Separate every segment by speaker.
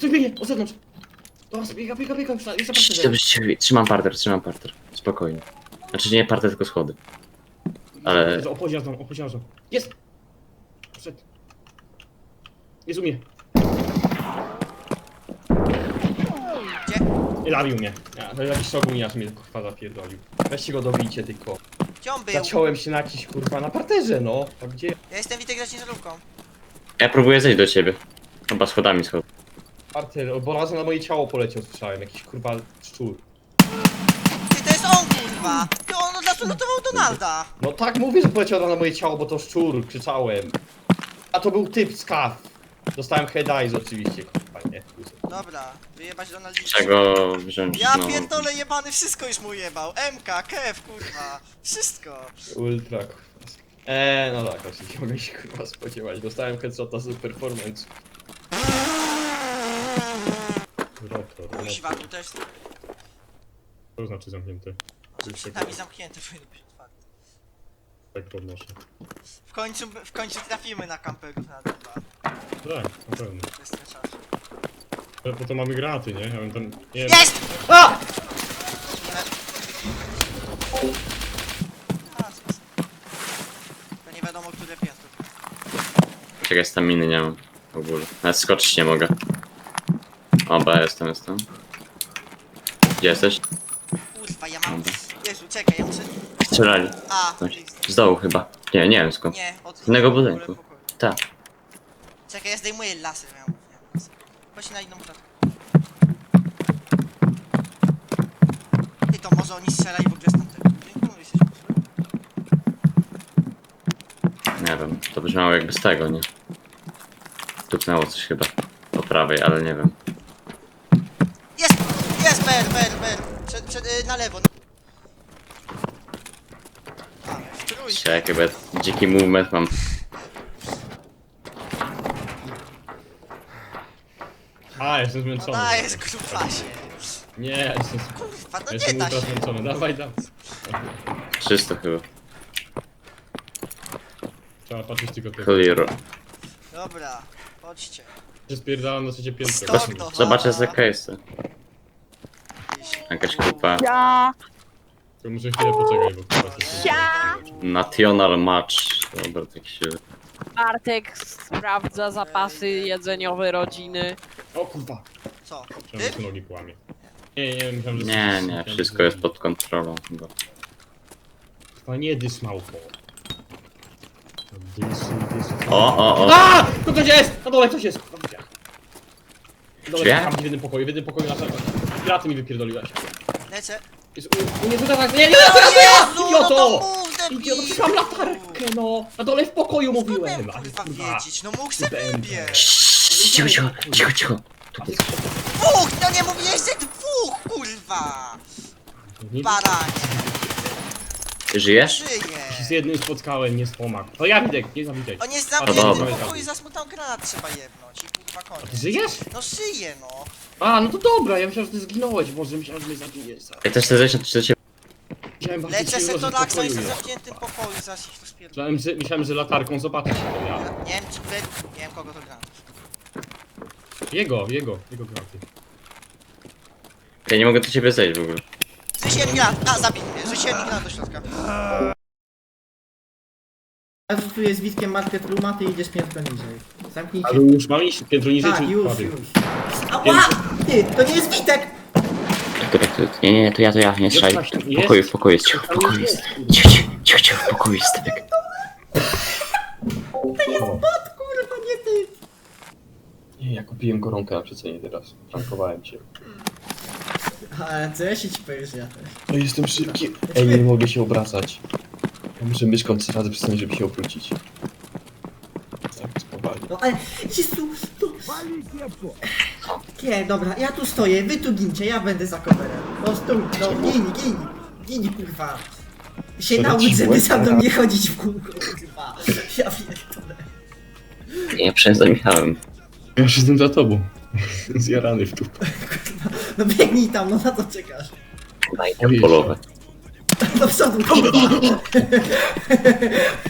Speaker 1: coś biegnie, od zewnątrz. Dobra, biega, jeszcze parter.
Speaker 2: Dobrze, trzymam parter. Spokojnie. Znaczy nie parter, tylko schody. Ale...
Speaker 1: Opoziarzą. Jest! Wszedł. Jest u mnie.
Speaker 3: Gdzie?
Speaker 1: Nie zabił mnie. Ja, to jakiś szoguniarz mnie kurwa zapierdolił. Weźcie go dobijcie tylko.
Speaker 3: Gdzie on był?
Speaker 1: Zaciąłem się na jakiś kurwa na parterze, no. A gdzie?
Speaker 3: Ja jestem Witek za ciężarówką.
Speaker 2: Ja próbuję zejść do ciebie. Chyba schodami schodzę.
Speaker 1: Parter, bo razem na moje ciało poleciał, słyszałem. Jakiś kurwa szczur.
Speaker 3: Ty, to jest on, kurwa! Ty, on od razu lutował Donalda!
Speaker 1: No tak mówię, że poleciał na moje ciało, bo to szczur, krzyczałem. A to był typ z kaw. Dostałem head eyes oczywiście, kurwa, nie.
Speaker 3: Dobra, wyjebać Donaldina.
Speaker 2: Czego wziąć
Speaker 3: Ja
Speaker 2: znowu?
Speaker 3: pierdolę jebany, wszystko już mu jebał. MK, KF, kurwa. Wszystko.
Speaker 1: Ultra, kurwa. No tak, oczywiście mogę się kurwa spodziewać. Dostałem headshota z performance.
Speaker 3: Kuźwa, tu też.
Speaker 1: To znaczy zamknięte.
Speaker 3: Tam i zamknięte powinno być otwarte.
Speaker 1: Tak podnoszę.
Speaker 3: W końcu trafimy na kamperów na dwa.
Speaker 1: Tak, na pewno.
Speaker 3: To jest ten czas.
Speaker 1: Ale po to mamy granaty, nie? Ja bym tam... Nie wiem.
Speaker 3: Jest!
Speaker 1: A!
Speaker 3: To nie wiadomo, które piętro.
Speaker 2: Czekaj, staminy nie mam. W ogóle. Nawet skoczyć nie mogę. Oba, jestem. Gdzie jesteś?
Speaker 3: Kurwa, ja mam... Jezu, czekaj, ja muszę...
Speaker 2: Strzelali.
Speaker 3: A,
Speaker 2: Z dołu chyba. Nie wiem skąd.
Speaker 3: nie, od...
Speaker 2: Z innego
Speaker 3: w ogóle
Speaker 2: budynku.
Speaker 3: pokoju.
Speaker 2: Tak.
Speaker 3: Czekaj, ja zdejmuję laser, miałem. Chodź na inną klatkę. Ty, to może oni strzelali w ogóle z tamtego budynku? Mówię się, że-
Speaker 2: Nie wiem. To brzmiało jakby z tego, nie? Tupnęło coś chyba. Po prawej, ale nie wiem.
Speaker 3: Jest! Jest! BR! Na lewo. Ale w trójkę.
Speaker 2: Czekaj, chyba dziki movement mam.
Speaker 1: A, jestem
Speaker 3: No
Speaker 1: zmęczony.
Speaker 3: dajesz, grubasie.
Speaker 1: Nie, ja jestem...
Speaker 3: Kurwa, no
Speaker 1: Ja
Speaker 3: nie
Speaker 1: jestem
Speaker 3: da
Speaker 1: ultra
Speaker 3: się.
Speaker 1: zmęczony. Dawaj.
Speaker 2: 300 chyba.
Speaker 1: Trzeba patrzeć tylko tego.
Speaker 2: Clear.
Speaker 3: Dobra, chodźcie.
Speaker 1: Się spierdalam na trzecie piętro.
Speaker 3: Stop to.
Speaker 2: Zobaczę za case'y. Jakaś kupa.
Speaker 4: Ja,
Speaker 1: Tylko muszę chwilę poczekać, bo kurwa się...
Speaker 2: National match. Dobra, tak się...
Speaker 4: Bartek sprawdza zapasy jedzeniowe rodziny.
Speaker 1: O kurwa!
Speaker 3: Co?
Speaker 1: Myślałem, że
Speaker 3: Ty?
Speaker 1: się nogi kłamie. Nie, myślałem, że...
Speaker 2: Nie,
Speaker 1: myślałem,
Speaker 2: wszystko
Speaker 1: że-
Speaker 2: jest pod kontrolą chyba.
Speaker 1: Kurwa, nie dys małpo. Dys.
Speaker 2: O!
Speaker 1: A! To ktoś jest! Na dole ktoś jest! Na dole
Speaker 2: Drzwiach?
Speaker 1: tam w jednym pokoju na samym. Graty mi wypierdoliłaś.
Speaker 3: Lecę.
Speaker 1: Jest nie tutaj tak. Nie,
Speaker 3: No Jezu, no to
Speaker 1: Idioto!
Speaker 3: mów, debilu!
Speaker 1: Idioto, przecież mam latarkę, no! Na dole w pokoju
Speaker 3: Skąd
Speaker 1: mówiłem!
Speaker 3: miałem,
Speaker 1: A ty,
Speaker 3: kurwa
Speaker 1: kurwa.
Speaker 3: wiedzieć? No mógł se wybiec.
Speaker 2: Cicho.
Speaker 3: Dwóch! No nie mówiłeś, że dwóch, kurwa!
Speaker 1: Nie,
Speaker 3: Baranie,
Speaker 2: Żyjesz?
Speaker 1: z
Speaker 3: żyje!
Speaker 1: jednym spotkałem, nie z pomag. To ja Widek, nie zabijaj.
Speaker 3: On jest
Speaker 1: A,
Speaker 3: zamknięty
Speaker 2: dobra.
Speaker 3: w pokoju, zasmutał granat trzeba jebnąć i kurwa
Speaker 1: A ty
Speaker 3: koniec.
Speaker 1: żyjesz?
Speaker 3: No żyje, no!
Speaker 1: A, no to dobra, ja myślałem, że ty zginąłeś, może myślałem, że mnie zabijesz.
Speaker 2: Jak też chcę zejść na 3
Speaker 1: Myślałem bardzo
Speaker 3: Lecę
Speaker 1: silno,
Speaker 3: se
Speaker 1: że
Speaker 3: to
Speaker 1: w
Speaker 3: Laksa,
Speaker 1: pokoju
Speaker 3: jestem w
Speaker 1: jest.
Speaker 3: zamkniętym pokoju, zaraz ich tu spierdolę.
Speaker 1: Myślałem, że latarką zobaczysz to ja.
Speaker 3: Nie wiem, czy nie wiem kogo to gra.
Speaker 1: Jego graty.
Speaker 2: Ja nie mogę do ciebie zejść w ogóle.
Speaker 3: Rzuciłem granat, a zabij mnie, rzuciłem granat do środka.
Speaker 5: Ja tu jest Witkiem Market Rooma, ty idziesz piętro niżej. Zamknijcie.
Speaker 1: Ale już mam iść piętro niżej,
Speaker 5: Tak,
Speaker 1: czy
Speaker 5: już.
Speaker 1: padł?
Speaker 5: Ała! Ty, to nie jest Witek!
Speaker 2: Nie, to ja, nie strzelaj. W pokoju jest, cicho, w pokoju jest. Cicho, w pokoju jest typek.
Speaker 5: Bot, kurwa, nie ty!
Speaker 1: Nie, ja kupiłem koronkę na przecenie teraz. Frankowałem cię.
Speaker 5: Ale co ja się ci powiesz, ja też.
Speaker 1: No jestem szybki. Ej, nie mogę się obracać. Ja muszę myszką 3 razy przystanąć, żeby się obrócić. Tak, spowalnie.
Speaker 5: No ale, Jezu, tu... Nie, dobra, ja tu stoję, wy tu gincie, ja będę za coverem. No stój, no gin, kurwa. Się
Speaker 1: To
Speaker 5: naucz,
Speaker 1: ci
Speaker 5: żeby
Speaker 1: łeb
Speaker 5: sam do
Speaker 1: teraz.
Speaker 5: mnie chodzić w kółko, kurwa. Ja pierdolę.
Speaker 2: Nie, przestań Michałem.
Speaker 1: Ja już jestem za tobą. Zjarany w dupę.
Speaker 5: Kurwa, no biegnij tam, no na co czekasz?
Speaker 2: Daj te polowe.
Speaker 5: Do przodu, kurwa.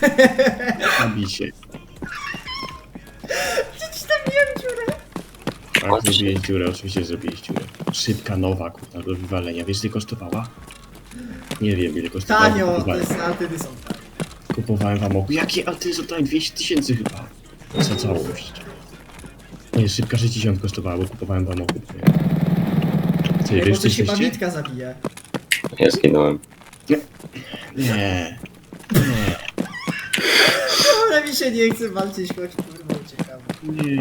Speaker 1: Zabij się.
Speaker 5: Gdzieś tam miałem dziurę.
Speaker 1: Tak, zrobiłeś dziurę, oczywiście zrobiłeś dziurę. Szybka, nowa, kurwa, do wywalenia. Wiesz, ile kosztowała? Nie wiem, ile kosztowała.
Speaker 5: Tanio, to
Speaker 1: Kupowałem,
Speaker 5: jest altyny są tak.
Speaker 1: kupowałem w amoku. Jakie alty są tanie? 200 000 chyba. Za całość. Nie, szybka 60 kosztowała, bo kupowałem w amoku. Co,
Speaker 5: Ej,
Speaker 1: wiesz,
Speaker 5: bo
Speaker 1: co
Speaker 5: coś chyba
Speaker 1: jesteście?
Speaker 5: Witka zabije.
Speaker 2: Ja zginąłem.
Speaker 1: Nie.
Speaker 5: Ale mi się nie chce walczyć, choć kurwa uciekamy.
Speaker 1: Nie.